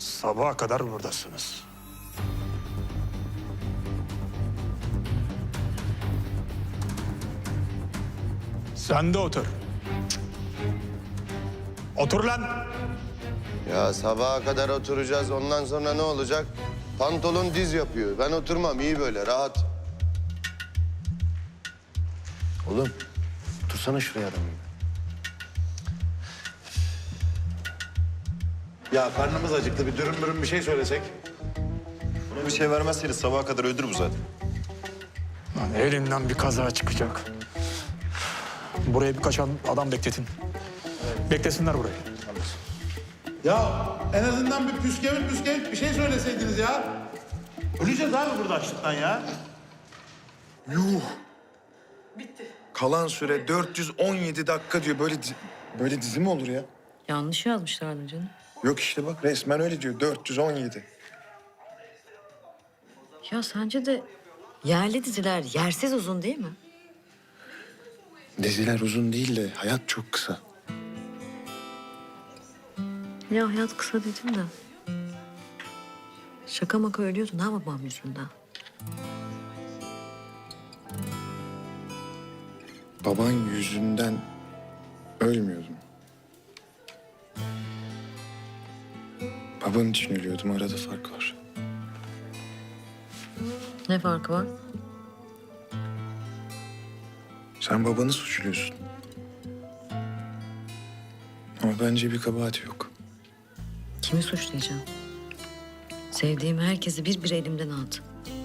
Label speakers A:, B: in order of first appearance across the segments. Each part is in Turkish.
A: Sabaha kadar buradasınız. Sen de otur. Otur lan.
B: Ya sabaha kadar oturacağız. Ondan sonra ne olacak? Pantolon diz yapıyor. Ben oturmam. İyi böyle rahat.
C: Oğlum, otursana şuraya adam gibi.
D: Ya karnımız acıktı. Bir dürüm bir şey söylesek.
E: Buna bir şey vermezseniz sabaha kadar öldür bu zaten.
A: Lan elinden bir kaza çıkacak. Buraya birkaç adam bekletin. Beklesinler burayı.
D: Ya en azından bir püskevit bir şey söyleseydiniz ya. Öleceğiz abi burada açlıktan ya.
F: Yuh. Kalan süre 417 dakika diyor. Böyle dizi mi olur ya?
G: Yanlış yazmışlardı canım.
F: Yok işte bak resmen öyle diyor. 417.
G: Ya sence de yerli diziler yersiz uzun değil mi?
F: Diziler uzun değil de hayat çok kısa.
G: Ya hayat kısa dedim de. Şaka maka ölüyordun ha babam yüzünden.
F: Baban yüzünden ölmüyordum. Baban için ölüyordum. Arada fark var.
G: Ne farkı var?
F: Sen babanı suçluyorsun. Ama bence bir kabahati yok.
G: Kimi suçlayacağım? Sevdiğim herkesi bir elimden aldı.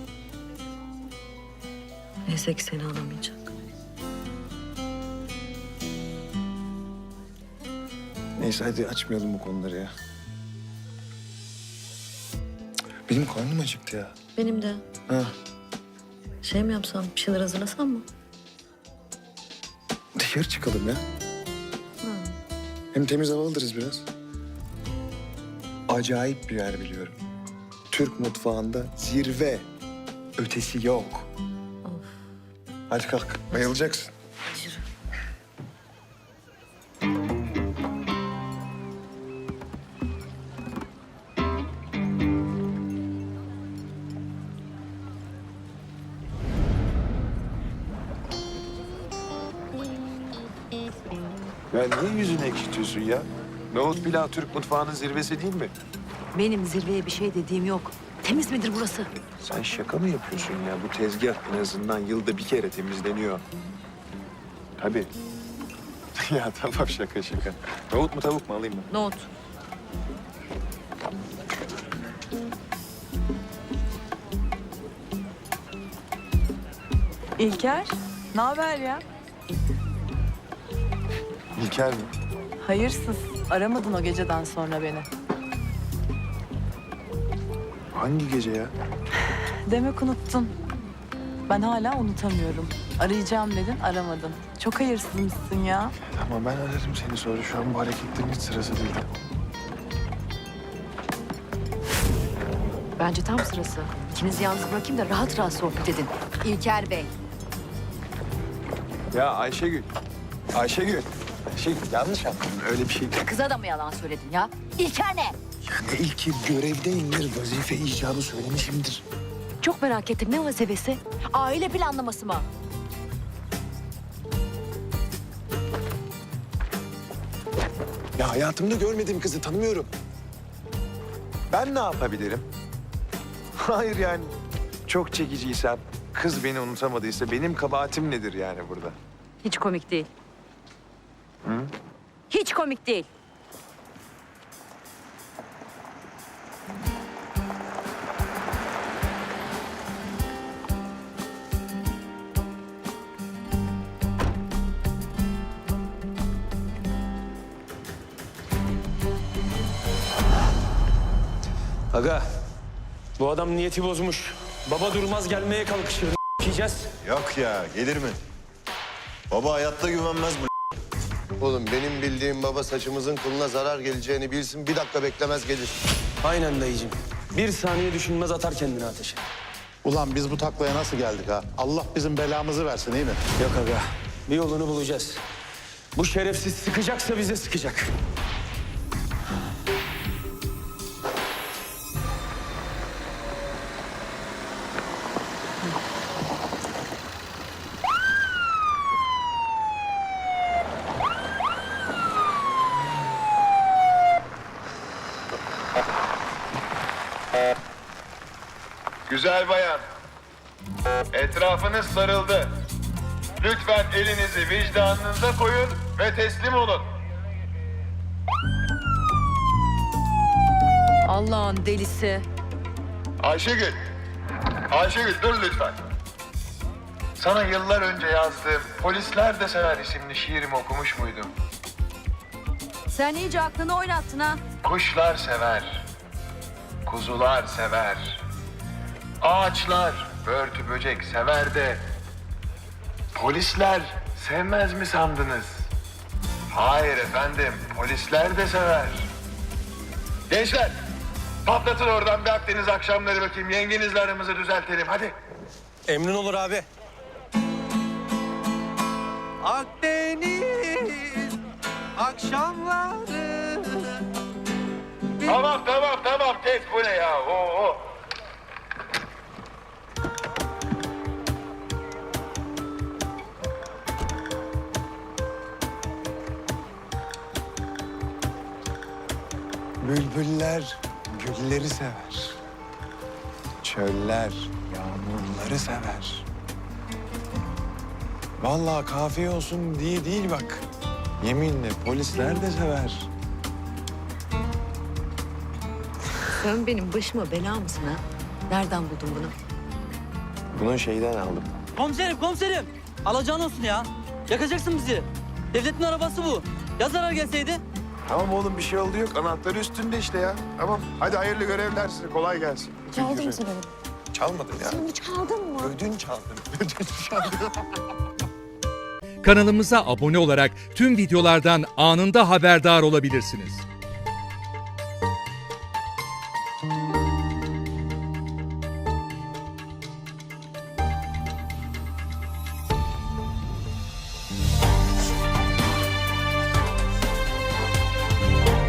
G: Neyse ki seni alamayacak.
F: Neyse hadi açmayalım bu konuları ya. Benim karnım acıktı ya.
G: Benim de.
F: Ha.
G: Şey mi yapsam, bir şeyler hazırlasam mı?
F: Dışarı çıkalım ya. Hem temiz hava alırız biraz. Acayip bir yer biliyorum. Türk mutfağında zirve. Ötesi yok.
G: Of.
F: Hadi kalk. Bayılacaksın.
G: Yürü.
C: Ya niye yüzünü ekşitiyorsun ya? Nohut pilav Türk mutfağının zirvesi değil mi?
G: Benim zirveye bir şey dediğim yok. Temiz midir burası?
C: Sen şaka mı yapıyorsun ya? Bu tezgah en azından yılda bir kere temizleniyor. Tabii. Ya tamam şaka. Nohut mu tavuk mu alayım ben?
G: Nohut.
H: İlker, ne haber ya?
C: İlker mi?
H: Hayırsız. Aramadın o geceden sonra beni.
C: Hangi gece ya?
H: Demek unuttun. Ben hala unutamıyorum. Arayacağım dedin, aramadın. Çok hayırsızmışsın ya.
C: Tamam ben ararım seni sonra. Şu an bu hareketlerin hiç sırası değil.
G: Bence tam sırası. İkinizi yalnız bırakayım da rahat rahat sohbet edin. İlker Bey.
C: Ya Ayşegül. Ayşegül yanlış yaptın. Öyle bir şey değil.
G: Kıza da mı yalan söyledin ya? İlker ne?
F: Ne ilki görevdeyimdir. Vazife icabı söylemişimdir.
G: Çok merak ettim. Ne vazifesi? Aile planlaması mı?
C: Ya hayatımda görmediğim kızı tanımıyorum. Ben ne yapabilirim? Hayır yani çok çekiciysem, kız beni unutamadıysa benim kabahatim nedir yani burada?
G: Hiç komik değil. Hiç komik değil.
I: Aga, bu adam niyeti bozmuş. Baba durmaz gelmeye kalkışır. Yiyeceğiz.
E: Yok ya gelir mi? Baba hayatta güvenmez bu.
B: Oğlum benim bildiğim baba saçımızın kılına zarar geleceğini bilsin. Bir dakika beklemez gelir.
I: Aynen dayıcığım. Bir saniye düşünmez atar kendini ateşe.
D: Ulan biz bu taklaya nasıl geldik ha? Allah bizim belamızı versin iyi mi?
I: Yok aga, bir yolunu bulacağız. Bu şerefsiz sıkacaksa bize sıkacak.
C: Güzel bayan. Etrafınız sarıldı. Lütfen elinizi vicdanınıza koyun ve teslim olun.
G: Allah'ın delisi.
C: Ayşegül. Ayşegül dur lütfen. Sana yıllar önce yazdığım Polisler de Sever isimli şiirimi okumuş muydum?
G: Sen iyice aklını oynattın ha.
C: Kuşlar sever. Kuzular sever. Ağaçlar, börtü böcek sever de polisler sevmez mi sandınız? Hayır efendim, polisler de sever. Gençler, patlatın oradan bir Akdeniz akşamları bakayım. Yengenizle aramızı düzeltelim, hadi.
I: Emrin olur abi.
J: Akdeniz akşamları.
C: Tamam, kes bu ne ya? Oo.
F: Bülbüller gülleri sever. Çöller yağmurları sever. Vallahi kafiye olsun diye değil bak. Yeminle polisler de sever.
G: Sen benim başıma bela mısın ha? Nereden buldun bunu?
F: Bunu şeyden aldım.
J: Komiserim. Alacağın olsun ya. Yakacaksın bizi. Devletin arabası bu. Ya zarar gelseydi?
C: Tamam oğlum bir şey oldu yok. Anahtarı üstünde işte ya. Tamam. Hadi hayırlı görevler size. Kolay gelsin.
F: Çaldın mı sen onu? Çalmadım ya.
G: Sen hiç kaldın mı?
F: Ödün çaldım. Ödün çaldım.
K: Kanalımıza abone olarak tüm videolardan anında haberdar olabilirsiniz.